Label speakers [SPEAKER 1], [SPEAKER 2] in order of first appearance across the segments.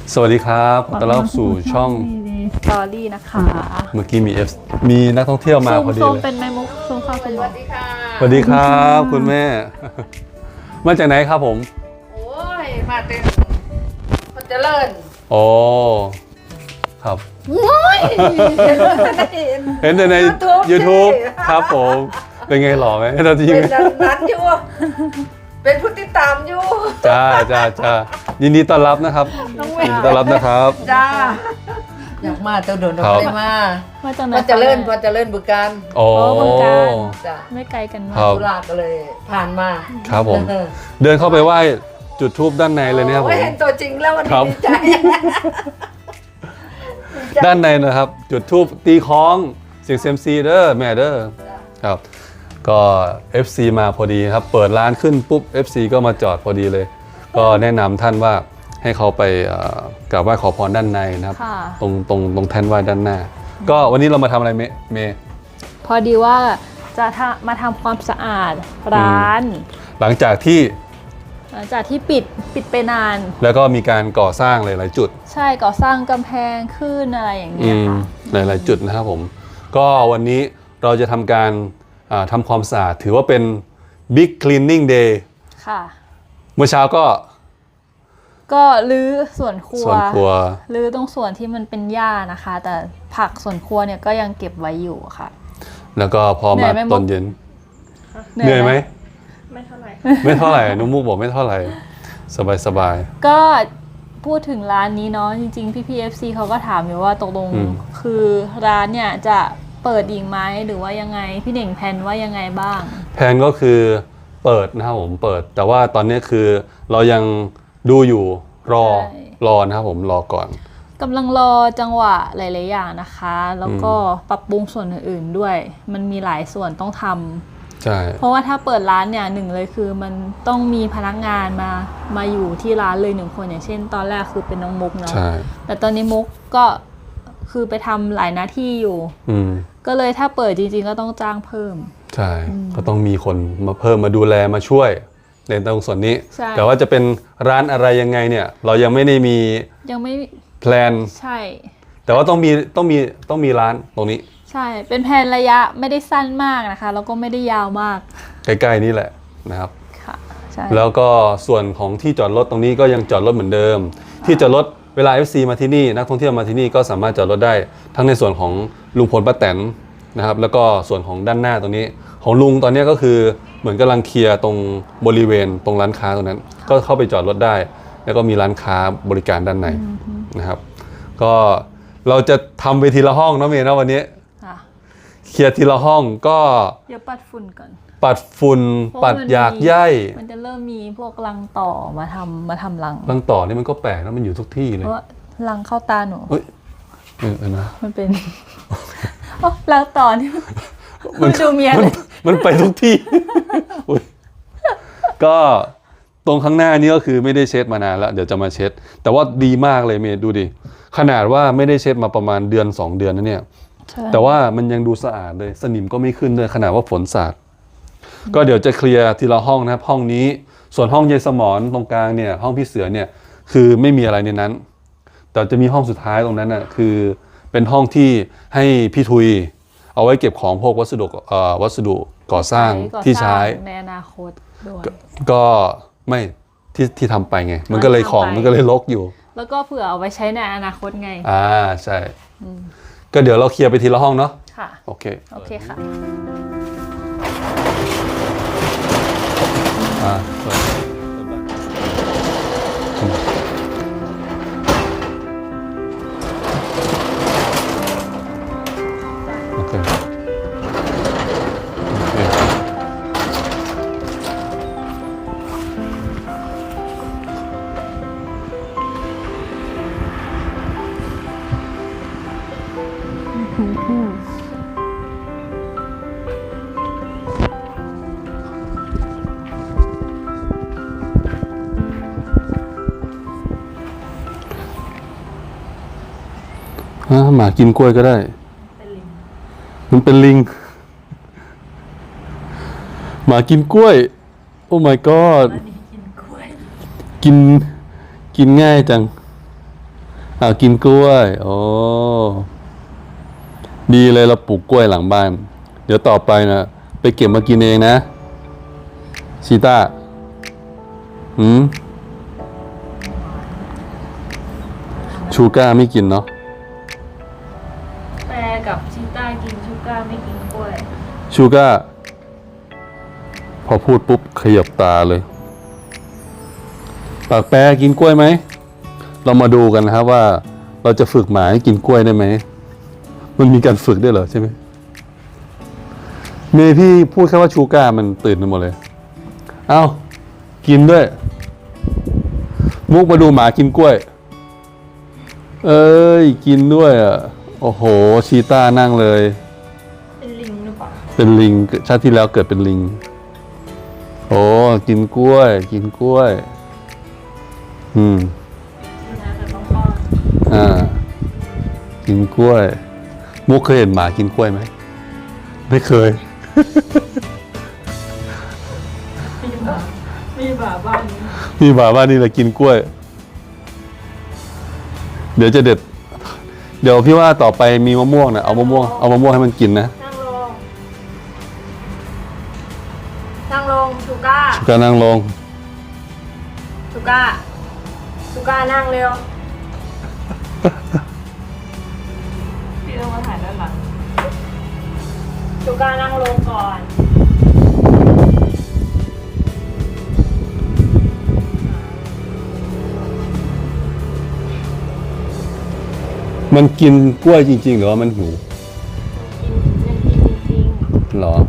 [SPEAKER 1] สวัสดีครับขอต้อนรับสู่ช่อง
[SPEAKER 2] สตอรี่นะคะ
[SPEAKER 1] เมื่อกี้มีนักท่องเที่ยวมาพอดี
[SPEAKER 2] ซูม
[SPEAKER 1] เลย
[SPEAKER 2] เป็นไมมุกซูมเข้าคุณหมอ
[SPEAKER 1] สวัสดีครับคุณแม่ มาจากไหนครับผม
[SPEAKER 3] โอ้ย มาเต็มคนเจริญ
[SPEAKER 1] โอ้ครับ
[SPEAKER 3] โอ้ย
[SPEAKER 1] เห็นแต่ใน YouTube ครับผม เป็นไงหล่อไหมเราจริง
[SPEAKER 3] เป็นนั้นอยู่ เป็นผู้ติดตามอยู่
[SPEAKER 1] จ้ายินดีต้อนรับนะครับ
[SPEAKER 3] น้องแม่
[SPEAKER 1] ยินดีต้อนรับนะครับ
[SPEAKER 3] จ้า อยากมาเต้าโดน
[SPEAKER 1] ครับ
[SPEAKER 3] ได้มา
[SPEAKER 2] มาจากไหน
[SPEAKER 3] พอเจริญพอเจริญบุการ
[SPEAKER 1] โอ้
[SPEAKER 2] บึงกาฬ
[SPEAKER 3] จ้า
[SPEAKER 2] ไม่ไกลกันมา
[SPEAKER 1] ครั
[SPEAKER 2] ก
[SPEAKER 1] บ
[SPEAKER 3] ธุระก็เลยผ่านมา
[SPEAKER 1] ครับผม
[SPEAKER 3] เออ
[SPEAKER 1] เดินเข้าไปไหว้จุดธูปด้านในเลยนะครับผ
[SPEAKER 3] โอ้
[SPEAKER 1] ม
[SPEAKER 3] เห็นตัวจริงแล้ววัน
[SPEAKER 1] ครั
[SPEAKER 3] นี้
[SPEAKER 1] บ
[SPEAKER 3] ดีใจ
[SPEAKER 1] ด้านในนะครับ จุดธูปตีคล้องเสียงเซยมซีเด้อแม่เด้อครับ ก็ FC มาพอดีครับ เปิดร้านขึ้นปุ๊บ FC ก็มาจอดพอดีเลย ก็แนะนำท่านว่าให้เขาไปกราบไหว้ขอพรด้านในนะครับ
[SPEAKER 2] ค่ะ
[SPEAKER 1] ตรงแท่นไหว้ด้านหน้า ก็วันนี้เรามาทำอะไรเมย์
[SPEAKER 2] พอดีว่าจะมาทำความสะอาดร้าน
[SPEAKER 1] หลังจากที่
[SPEAKER 2] หลังจากที่ปิดไปนาน
[SPEAKER 1] แล้วก็มีการก่อสร้างหลายๆจุด
[SPEAKER 2] ใช่ก่อสร้างกำแพงขึ้นอะไรอย่างเงี้ยค่ะ
[SPEAKER 1] หลายๆจุดนะครับผม ก็วันนี้เราจะทำการทำความสะอาดถือว่าเป็น Big Cleaning Day
[SPEAKER 2] ค่ะ
[SPEAKER 1] เมื่อเช้าก็
[SPEAKER 2] ก็รื้อส่วนครัว
[SPEAKER 1] ส่วนครัว
[SPEAKER 2] รื้อตรงส่วนที่มันเป็นหญ้านะคะ แต่ผักส่วนครัวเนี่ยก็ยังเก็บไว้อยู่ค่ะ
[SPEAKER 1] แล้วก็พอ
[SPEAKER 2] เหนื่
[SPEAKER 1] มา
[SPEAKER 2] อยไหม
[SPEAKER 1] ตอนเย็น
[SPEAKER 2] เห
[SPEAKER 1] เหนื่อยไหม
[SPEAKER 2] ไม่เท่าไหร่
[SPEAKER 1] ไม่เท่าไหร่นุมุกบอกไม่เท่าไหร่ สบาย
[SPEAKER 2] ก็พูดถึงร้านนี้เนาะจริงๆพี่ FC เขาก็ถามอยู่ว่าตกลง
[SPEAKER 1] อืม
[SPEAKER 2] คือร้านเนี่ยจะเปิดอีกไหมหรือว่ายังไงพี่เน่งแพลนว่ายังไงบ้าง
[SPEAKER 1] แผนก็คือเปิดนะครับผมเปิด แต่ว่าตอนนี้คือเรายังดูอยู่รอนะครับผมรอก่อน
[SPEAKER 2] กำลังรอจังหวะหลายๆอย่างนะคะ แล้วก็ปรับปรุงส่วนอื่นๆด้วย มันมีหลายส่วนต้องทำ
[SPEAKER 1] ใช่
[SPEAKER 2] เพราะว่าถ้าเปิดร้านเนี่ยหนึ่งเลยคือมันต้องมีพนักงานมาอยู่ที่ร้านเลยหนึ่งคนอย่างเช่น ตอนแรกคือเป็นน้องมุกเนาะ
[SPEAKER 1] ใช่
[SPEAKER 2] แต่ตอนนี้มุกก็คือไปทำหลายหน้าที่อยู่
[SPEAKER 1] อืม
[SPEAKER 2] ก็เลยถ้าเปิดจริงๆก็ต้องจ้างเพิ่ม
[SPEAKER 1] ใช่ก็ต้องมีคนมาเพิ่มมาดูแลมาช่วยในตรงส่วนนี้
[SPEAKER 2] ใช่
[SPEAKER 1] แต่ว่าจะเป็นร้านอะไรยังไงเนี่ย เรายังไม่ได้มี
[SPEAKER 2] ยังไม่
[SPEAKER 1] แพลน
[SPEAKER 2] ใช่
[SPEAKER 1] แต่ว่าต้องมีร้านตรงนี้
[SPEAKER 2] ใช่เป็นแผนระยะไม่ได้สั้นมากนะคะแล้วก็ไม่ได้ยาวมาก
[SPEAKER 1] ใกล้ๆนี่แหละนะครับ
[SPEAKER 2] ค่ะใช่
[SPEAKER 1] แล้วก็ส่วนของที่จอดรถตรงนี้ก็ยังจอดรถเหมือนเดิม ที่จอดรถเวลา FC มาที่นี่นักท่องเที่ยวมาที่นี่ก็สามารถจอดรถได้ทั้งในส่วนของลุงพลป้าแตนนะครับแล้วก็ส่วนของด้านหน้าตรงนี้ของลุงตอนนี้ก็คือเหมือนกำลังเคลียร์ตรงบริเวณตรงร้านค้าตรงนั้น ก็เข้าไปจอดรถได้ แล้วก็มีร้านค้าบริการด้านในนะครับ ก็เราจะทำไปทีละห้องเนาะเมย์เนาะวันนี้
[SPEAKER 2] ค่ะ
[SPEAKER 1] เคลียร์ทีละห้องก็
[SPEAKER 2] เดี๋ยวปัดฝุ่นก่อน
[SPEAKER 1] ปัดฝุ่น
[SPEAKER 2] เพราะ
[SPEAKER 1] ปัด
[SPEAKER 2] มัน
[SPEAKER 1] หยาก
[SPEAKER 2] มี
[SPEAKER 1] ใย
[SPEAKER 2] มันจะเริ่มมีพวกรังต่อมาทำรัง
[SPEAKER 1] รังต่อนี่มันก็แปลกนะมันอยู่ทุกที่เล
[SPEAKER 2] เพ
[SPEAKER 1] ย
[SPEAKER 2] ราะว่ารังเข้าตาหนู
[SPEAKER 1] เฮ้ยนะ
[SPEAKER 2] มันเป็น โอ้รังต่อนี่มันดูเมียเลย
[SPEAKER 1] มันไปทุกที่ อุ๊ยก็ตรงข้างหน้านี่ก็คือไม่ได้เช็ดมานานแล้ว เดี๋ยวจะมาเช็ด แต่ว่าดีมากเลยเมย์ดูดิ ขนาดว่าไม่ได้เช็ดมาประมาณเดือน2 เดือนนะเนี่ย
[SPEAKER 2] ใช่
[SPEAKER 1] แต่ว่ามันยังดูสะอาดเลย สนิมก็ไม่ขึ้นเลยขนาดว่าฝนสาด ก็เดี๋ยวจะเคลียร์ทีละห้องนะครับ ห้องนี้ ส่วนห้องยายสมรตรงกลางเนี่ย ห้องพี่เสือเนี่ย คือไม่มีอะไรในนั้น แต่จะมีห้องสุดท้ายตรงนั้นน่ะ คือเป็นห้องที่ให้พี่ทุย เอาไว้เก็บของพวกวัสดุก่อสร้างที่ใช้
[SPEAKER 2] ในอนาคตด้วย
[SPEAKER 1] ก็ไม่ที่ทำไปไง มันก็เลยของ
[SPEAKER 2] ทำไป
[SPEAKER 1] มันก็เลยรกอยู่
[SPEAKER 2] แล้วก็เผื่อเอาไว้ใช้ในอนาคตไง
[SPEAKER 1] ใช่ ก็เดี๋ยวเราเคลียร์ไปทีละห้องเนาะ
[SPEAKER 2] ค่ะ
[SPEAKER 1] โอเค
[SPEAKER 2] โอเคค่ะ
[SPEAKER 1] เปิดโอเคหมากินกล้วยก็ได้ มันเป็นลิง หมากินกล้วย โอ้ my god กินง่ายจังกินกล้วย โอ้ดีเลยเราปลูกกล้วยหลังบ้าน เดี๋ยวต่อไปนะไปเก็บมากินเองนะชีต้าชูก้าไม่กินเนาะ
[SPEAKER 2] แปรกับชีต้ากินชูก้าไม่กินกล้วย
[SPEAKER 1] ชูก้าพอพูดปุ๊บขยับตาเลยปากแปรกินกล้วยไหมเรามาดูกันนะครับว่าเราจะฝึกหมาให้กินกล้วยได้ไหมมันมีการฝึกด้วยเหรอใช่ไหมเมย์พี่พูดแค่ว่าชูก้ามันตื่นไปหมดเลยเอ้ากินด้วยมุกมาดูหมากินกล้วยเอ้ยกินด้วยอ่ะโอ้โหชีต้านั่งเลย
[SPEAKER 2] เป็นลิงหรือเปล่า
[SPEAKER 1] เป็นลิงชาติที่แล้วเกิดเป็นลิงโอ้กินกล้วย กินกล้วย
[SPEAKER 2] น่าจะต้องป้อน
[SPEAKER 1] กินกล้วยมุกเคยเห็นหมากินกล้วยไหมไม่เคย
[SPEAKER 2] มีหมาบ้านนี้
[SPEAKER 1] มีหมาบ้านนี่แหละกินกล้วย เดี๋ยวจะเด็ด เดี๋ยวพี่ว่าต่อไปมีมะม่วงนะเอามะม่วงให้มันกินนะ
[SPEAKER 3] นั่งลง นั่งลงชูก้า
[SPEAKER 1] ก็นั่งลง
[SPEAKER 3] ชูก้า ชูก้านั่งเร็ว
[SPEAKER 2] พี่ต้องมาถ่ายด้านหลัง
[SPEAKER 3] ชูก้านั่งลงก่อน
[SPEAKER 1] มันกินกล้วยจริงๆหรือว่ามันหิว
[SPEAKER 3] ยังกินจริง
[SPEAKER 1] หรอ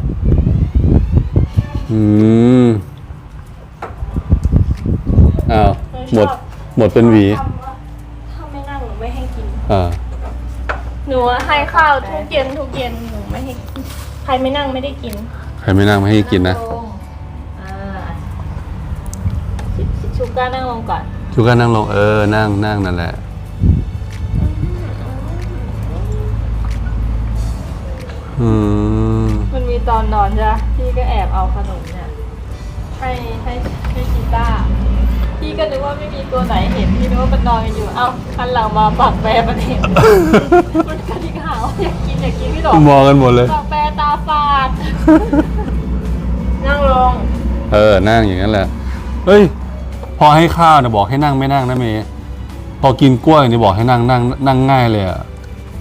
[SPEAKER 1] อ้าวหมดเป็นหวี
[SPEAKER 3] ๆถ้าไม่นั่งหนูไม่ให้กิน
[SPEAKER 1] อ่า
[SPEAKER 3] หนูให้ข้าวทุกเย็นหนูไม่ให้กิน ใครไม่นั่งไม่ได้กิน
[SPEAKER 1] ใครไม่นั่งไม่ให้กินนะ
[SPEAKER 2] ลงชูก้านั่งลงก่อน
[SPEAKER 1] ชูก้านั่งลงนั่งนั่นแหละ
[SPEAKER 2] มันมีตอนนอนใช่ไหมพี่ก็แอบเอาขนมเนี่ยให้ชีต้าพี่ก็นึกว่าไม่มีตัวไหนเห็นพี่นึกว่ามันนอนกันอยู่เอ้าคันหลังมาปากแปรมันเห็นมันกระดิกหาวอยากกินพี่ดอก
[SPEAKER 1] มองกันหมดเลย
[SPEAKER 2] ปากแปรตาฝาด
[SPEAKER 3] นั่งลง
[SPEAKER 1] นั่งอย่างนั้นแหละเฮ้ยพอให้ข้าวเนี่ยบอกให้นั่งไม่นั่งนะเมย์พอกินกล้วยเนี่ยบอกให้นั่งง่ายเลยอ่ะ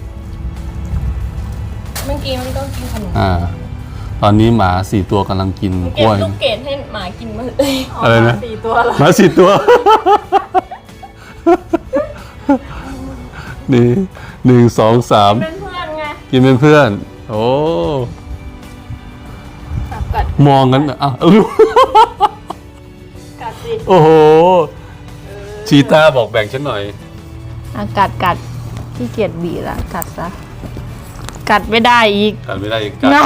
[SPEAKER 3] เมื่อกี้มันต้องกินขนม
[SPEAKER 1] ตอนนี้หมา4 ตัวกำลังกินก
[SPEAKER 3] เก็บ
[SPEAKER 1] ล้วย
[SPEAKER 3] ลูกเกดให้หมากินมาเลย
[SPEAKER 1] อะไรนะ
[SPEAKER 2] 4 ตัวเหรอ
[SPEAKER 1] หมา4 ตัวนี่1 2 3
[SPEAKER 3] เป็นเพื่อนไง
[SPEAKER 1] กินเป็นเพื่อน โอ้
[SPEAKER 3] กัด
[SPEAKER 1] มองกันอ้าว
[SPEAKER 3] กัดสิ
[SPEAKER 1] โอ้โหชีต้าบอกแบ่งฉันหน่อย
[SPEAKER 2] กัดที่เกียจบีละกัดซะกัดไม่ได้อีก
[SPEAKER 1] กัดไม่ได้อีกกัด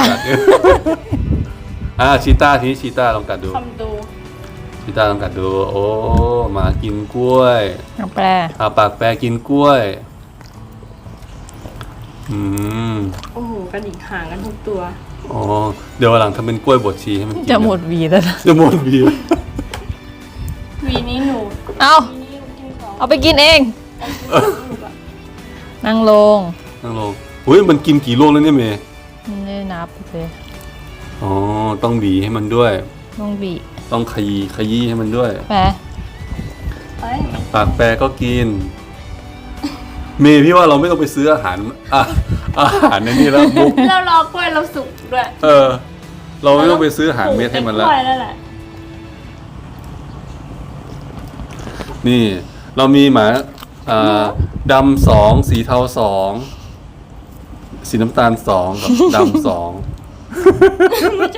[SPEAKER 1] ชีต้าทีนี้ชีต้าลองกัดดู
[SPEAKER 3] ทำดู
[SPEAKER 1] ชีต้าลองกัดดู โอ้หมากินกล้วย
[SPEAKER 2] แปร
[SPEAKER 1] ปากแปรกินกล้วย
[SPEAKER 3] โอ้โหกระดิกห่างกันทุกตัว
[SPEAKER 1] อ๋อเดี๋ยววันหลังทำเป็นกล้วยบดชีให้มันกิน
[SPEAKER 2] จะหมดหวีแล้วนะ
[SPEAKER 1] จะหมดวี
[SPEAKER 3] วีนี้หนู
[SPEAKER 2] เอา
[SPEAKER 3] วีนี้หนูกินสอง
[SPEAKER 2] เอาไปกินเอง นั่งลง
[SPEAKER 1] นั่งลงอุ้ยมันกินกี่ลูกแล้วเนี่ยเมย์
[SPEAKER 2] ไม่ได้นับเลย
[SPEAKER 1] อ๋อต้องหวีให้มันด้วย
[SPEAKER 2] ต้องบี
[SPEAKER 1] ต้องขยี้ให้มันด้วย
[SPEAKER 2] แปร
[SPEAKER 3] ไป
[SPEAKER 1] ปากแปรก็กิน เมย์พี่ว่าเราไม่ต้องไปซื้ออาหารในนี่แล้วมุก
[SPEAKER 3] เรารอกล้วยเราสุกด้วย
[SPEAKER 1] เราไม่ต้องไปซื้ออาหารเม็ดให้มันแล้ว
[SPEAKER 3] กล้วยแล้วแหละ
[SPEAKER 1] นี่ เรามีหมาดำ2สีเทา2สีน้ำตาล2กับดำ2
[SPEAKER 3] ไม่ใช่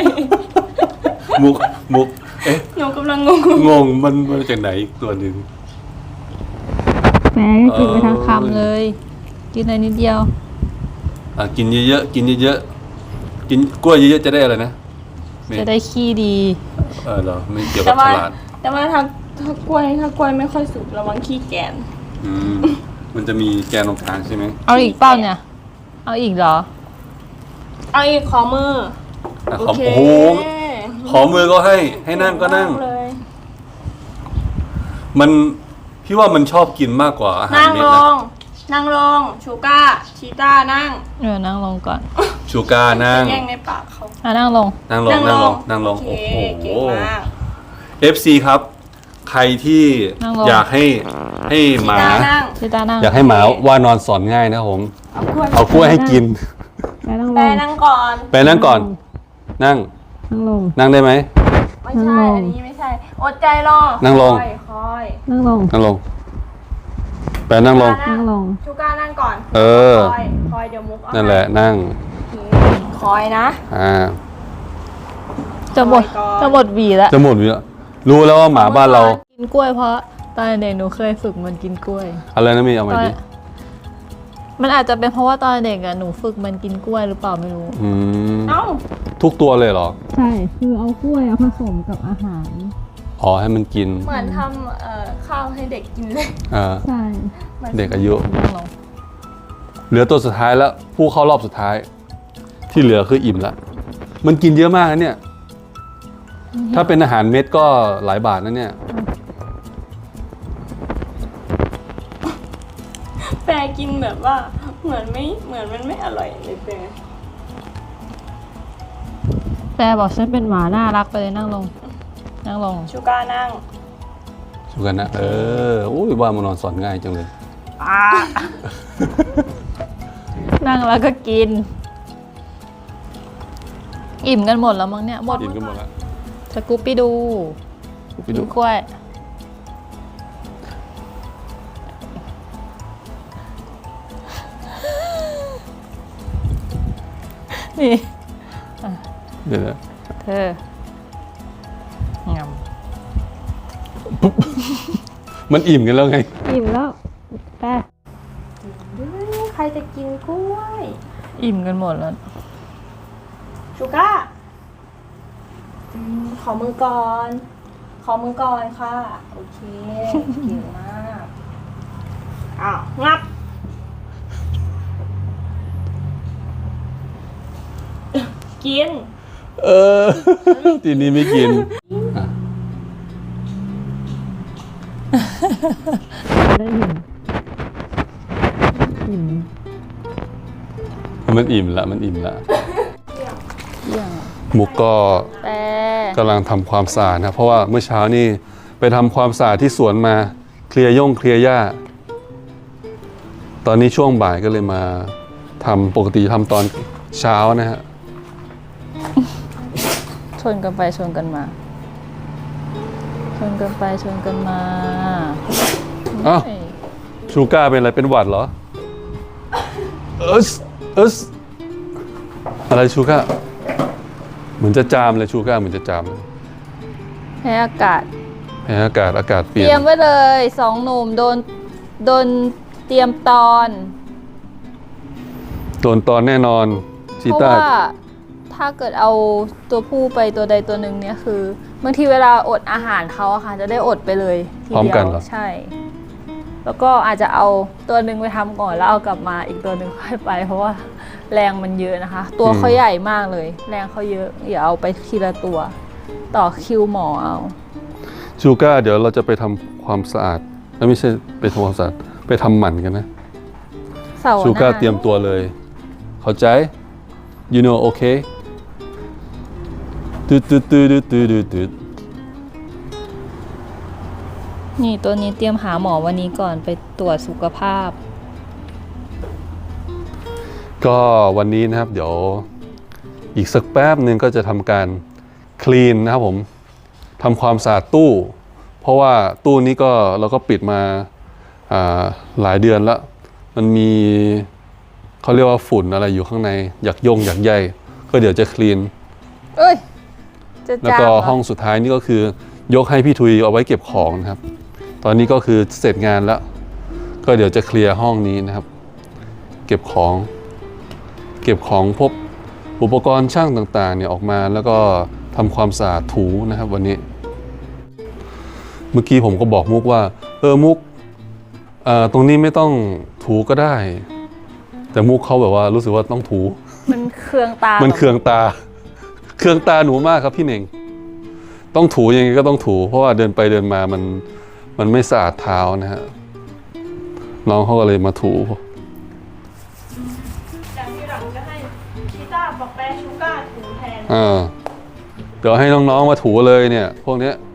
[SPEAKER 1] มุกเอ๊ะ
[SPEAKER 3] หนูกำลังงง
[SPEAKER 1] มันมาจากไหนอีกตัวหนึ่ง
[SPEAKER 2] แปรกินไปทั้งคำเลย กินอะไรนิดเดียว
[SPEAKER 1] กินเยอะๆกินเยอะๆกินกล้วยเยอะๆจะได้อะไรนะ
[SPEAKER 2] จะได้ขี้ดี
[SPEAKER 1] เหรอไม่เกี่ยว
[SPEAKER 3] แต่
[SPEAKER 1] กับ
[SPEAKER 3] ว่า
[SPEAKER 1] ฉลาด
[SPEAKER 3] แต่ว่าถ้ากล้วยไม่ค่อยสุกระวังขี้แกน
[SPEAKER 1] มันจะมีแกนตรงกลางใช่ไหม
[SPEAKER 2] เอาอีกเป้าเนี่ย เอาอีกเหรอ
[SPEAKER 3] เอาอีกขอมือ
[SPEAKER 1] โอ้โหขอมือก็ให้นั่งก็นั่ง
[SPEAKER 3] เลย
[SPEAKER 1] มันพี่ว่ามันชอบกินมากกว่าอาหาร
[SPEAKER 3] นั่ง
[SPEAKER 1] เม็ด
[SPEAKER 3] ล
[SPEAKER 1] นะ
[SPEAKER 3] ง นั่งลง ชูก้า ชีต้านั่ง
[SPEAKER 2] นั่งลงก่อน
[SPEAKER 1] ชูการ์นั่ง
[SPEAKER 3] แย่งในปากเขา
[SPEAKER 2] นั่งลง
[SPEAKER 1] นั่งลงนั่งลงนั่งลง
[SPEAKER 3] โอ
[SPEAKER 1] โอ้
[SPEAKER 3] เค
[SPEAKER 1] โห
[SPEAKER 3] เก่งมาก
[SPEAKER 1] FC ครับ ใครที่
[SPEAKER 2] นั่งลง
[SPEAKER 1] อยากให้หมา
[SPEAKER 3] ชีต้านั่ง
[SPEAKER 2] ชิตานั่ง
[SPEAKER 1] อยากให้หมาว่านอนสอนง่ายนะครับผม
[SPEAKER 3] เอากล้วย
[SPEAKER 1] เอากล้วยให้กิน
[SPEAKER 2] ไปนั่งล
[SPEAKER 3] แป
[SPEAKER 2] ง
[SPEAKER 3] นั่งก่อน
[SPEAKER 1] ไปนั่งก่อน นั่ง
[SPEAKER 2] นั่งลง
[SPEAKER 1] นั่งได้ไหม
[SPEAKER 3] ไม่ใช่ อันนี้ไม่ใช่ อดใจรอ
[SPEAKER 1] นั่งลง
[SPEAKER 3] คอย
[SPEAKER 2] นั่งลง
[SPEAKER 1] นั่งลง ไปนั่งลง
[SPEAKER 2] นั่งลง
[SPEAKER 3] ชูก้านั่งก่อน
[SPEAKER 1] เออ
[SPEAKER 3] คอยเดี๋ยวมุกเอา
[SPEAKER 1] นั่นแหละนั่ง
[SPEAKER 3] โอเคคอยนะ
[SPEAKER 2] จะหมด
[SPEAKER 3] ก่อน
[SPEAKER 2] จะหมดหวีแล้ว
[SPEAKER 1] จะหมดอยู่แล้วรู้แล้วว่าหมาบ้านเรา
[SPEAKER 2] กินกล้วยเพราะตอนเด็กหนูเคยฝึกมันกินกล้วย
[SPEAKER 1] อะไรนะมีเอาใหม่ดิ
[SPEAKER 2] มันอาจจะเป็นเพราะว่าตอนเด็กอะหนูฝึกมันกินกล้วยหรือเปล่าไม่รู้
[SPEAKER 1] อืม
[SPEAKER 3] เอ้า
[SPEAKER 1] ทุกตัวเลยเหรอ
[SPEAKER 4] ใช่ คือเอากล้วยผสมกับอาหาร
[SPEAKER 1] อ๋อให้มันกิน
[SPEAKER 3] เหมือนทำข้าวให้เด็กกินเลย
[SPEAKER 1] อ่า
[SPEAKER 4] ใช่
[SPEAKER 1] เด็กอายุ
[SPEAKER 2] นั่งลง
[SPEAKER 1] เหลือตัวสุดท้ายแล้ว ผู้เข้ารอบสุดท้าย ที่เหลือคืออิ่มละมันกินเยอะมากนะเนี่ย ถ้าเป็นอาหารเม็ดก็หลายบาทนะเนี่ย
[SPEAKER 3] แปรกินแบบว่า เหมือนมันไม่อร่อยเลยแปร
[SPEAKER 2] แปรบอกฉันเป็นหมาน่ารักไปเลยนั่งลง นั่งลง
[SPEAKER 3] ชูก้านั่ง
[SPEAKER 1] สุกันนะโอ้ยว่ามานอนสอนง่ายจังเลย
[SPEAKER 2] นั่งแล้วก็กิน อิ่มกันหมดแล้วมั้งเนี่ยหมด
[SPEAKER 1] อิ่มกันหมดแล้ว
[SPEAKER 2] สกูปปี้ดู
[SPEAKER 1] ไป
[SPEAKER 2] กิ
[SPEAKER 1] ดู
[SPEAKER 2] นกล้วย นี่
[SPEAKER 1] เดี๋ยวนะ
[SPEAKER 2] เธองำ
[SPEAKER 1] มันอิ่มกันแล้วไง
[SPEAKER 4] อิ่มแล้วแปะ
[SPEAKER 3] ใครจะกินกล้วย
[SPEAKER 2] อิ่มกันหมดแล้ว
[SPEAKER 3] ชูก้าขอมือก่อน ขอมือก่อนค่ะ โอเค เก่งมาก อ้าว งับ กิน
[SPEAKER 1] ทีนี้ไม่กินอ่ะ
[SPEAKER 4] ได้เห็นอิ่ม
[SPEAKER 1] มันอิ่มละมันอิ่มละ
[SPEAKER 2] เยี่ยง
[SPEAKER 1] มุกก็
[SPEAKER 2] แต่
[SPEAKER 1] กำลังทำความสะอาดนะเพราะว่าเมื่อเช้านี่ไปทำความสะอาดที่สวนมาเคลียร์หญ้าตอนนี้ช่วงบ่ายก็เลยมาทำปกติทำตอนเช้านะฮะ
[SPEAKER 2] ชนกันไปชนกันมา ชนกันไปชนกันมา
[SPEAKER 1] อ้าว
[SPEAKER 2] เอ้ย
[SPEAKER 1] ชูก้าเป็นอะไรเป็นหวัดเหรอเอสอะไรชูก้าเหมือนจะจามเลยชูก้าเหมือนจะจามเลย
[SPEAKER 2] แพ้อากาศ
[SPEAKER 1] แพ้อากาศเป
[SPEAKER 2] เต
[SPEAKER 1] ลี่ย
[SPEAKER 2] รียม
[SPEAKER 1] น
[SPEAKER 2] ไว้เลยสองหนุ่มโดนเตรียมตอน
[SPEAKER 1] โดนตอนแน่นอนชี
[SPEAKER 2] เพราะ
[SPEAKER 1] ต้า
[SPEAKER 2] ว่าถ้าเกิดเอาตัวผู้ไปตัวใดตัวหนึ่งเนี่ยคือบางทีเวลาอดอาหารเขาอะค่ะจะได้อดไปเลยที
[SPEAKER 1] พร้อม
[SPEAKER 2] เดี
[SPEAKER 1] กัน
[SPEAKER 2] ยว
[SPEAKER 1] เหรอ
[SPEAKER 2] ใช่ แล้วก็อาจจะเอาตัวหนึ่งไปทำก่อนแล้วเอากลับมาอีกตัวหนึ่งค่อยไป เพราะว่าแรงมันเยอะนะคะ ตัวเขาใหญ่มากเลย แรงเขาเยอะอย่าเอาไปทีละตัว ต่อคิวหมอเอา
[SPEAKER 1] ชูก้าเดี๋ยวเราจะไปทำความสะอาดไม่ใช่ไปทำความสะอาดไปทำหมันกันนะ
[SPEAKER 2] เสาร์ห
[SPEAKER 1] ชูก้า
[SPEAKER 2] น้า
[SPEAKER 1] เตรียมตัวเลย เข้าใจ you know okay ตืด
[SPEAKER 2] นี่ตัวนี้เตรียมหาหมอวันนี้ก่อนไปตรวจสุขภาพ
[SPEAKER 1] ก็วันนี้นะครับเดี๋ยวอีกสักแป๊บหนึ่งก็จะทำการคลีนนะครับผมทำความสะอาดตู้ เพราะว่าตู้นี้ก็เราก็ปิดมาหลายเดือนแล้วมันมีเขาเรียกว่าฝุ่นอะไรอยู่ข้างในอยากใยก็เดี๋ยวจะคลีน
[SPEAKER 2] เอ้ย จะ
[SPEAKER 1] แล้ว
[SPEAKER 2] จาม
[SPEAKER 1] ก็
[SPEAKER 2] เหร
[SPEAKER 1] ห้องสุดท้ายนี่ก็คือยกให้พี่ทุยเอาไว้เก็บของนะครับ ตอนนี้ก็คือเสร็จงานแล้ว ก็เดี๋ยวจะเคลียร์ห้องนี้นะครับ เก็บของพวกอุปกรณ์ช่างต่างๆเนี่ยออกมาแล้วก็ทำความสะอาดถูนะครับวันนี้ เมื่อกี้ผมก็บอกมุกว่ามุกตรงนี้ไม่ต้องถูก็ได้ แต่มุกเขาแบบว่ารู้สึกว่าต้องถู
[SPEAKER 2] มันเคืองตา
[SPEAKER 1] มันเคืองตา เคืองตาหนูมากครับพี่เน่ง ต้องถูยังไงก็ต้องถู เพราะว่าเดินไปเดินมามันไม่สะอาดเท้านะฮะน้องเขาก็เลยมาถู
[SPEAKER 3] จากที่หลังจะให้ชีต้าบอกแปรชูก้าถูแทน
[SPEAKER 1] เดี๋ยวให้น้องๆมาถูเลยเนี่ย พวกเนี้ย